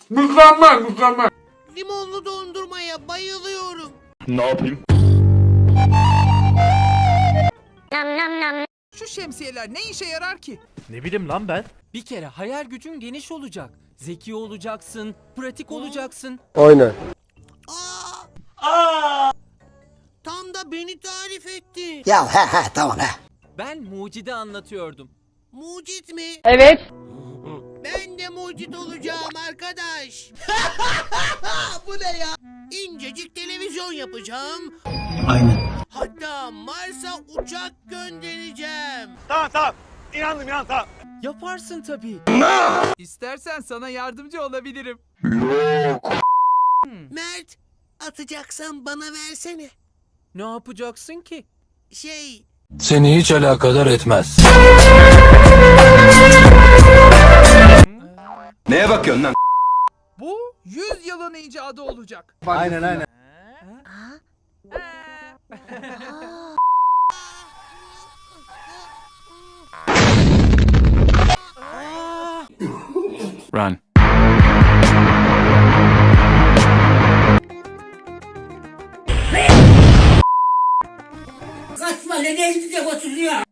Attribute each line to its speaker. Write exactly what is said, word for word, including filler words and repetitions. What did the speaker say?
Speaker 1: Mükemmel mükemmel.
Speaker 2: Limonlu dondurmaya bayılıyorum.
Speaker 3: Ne yapayım?
Speaker 4: Şu şemsiyeler ne işe yarar ki?
Speaker 3: Ne bileyim lan ben.
Speaker 5: Bir kere hayal gücün geniş olacak. Zeki olacaksın, pratik olacaksın.
Speaker 6: Aynen.
Speaker 2: Aa! Tam da beni tarif etti.
Speaker 7: Ya he he tamam he.
Speaker 5: Ben mucide anlatıyordum.
Speaker 2: Mucit mi?
Speaker 8: Evet.
Speaker 2: Ben de mucit olacağım arkadaş. Bu ne ya? İncecik televizyon yapacağım.
Speaker 7: Aynen.
Speaker 2: Hatta Mars'a uçak göndereceğim.
Speaker 5: Yaparsın tabii.
Speaker 4: İstersen sana yardımcı olabilirim.
Speaker 2: Mert, atacaksan bana versene.
Speaker 5: Ne yapacaksın ki?
Speaker 2: Şey,
Speaker 9: Seni hiç alakadar etmez.
Speaker 3: Neye bakıyorsun lan?
Speaker 4: Bu yüz yılın icadı olacak.
Speaker 6: Aynen aynen.
Speaker 3: Run.
Speaker 7: Kaçma nereye gidecek oturuyor?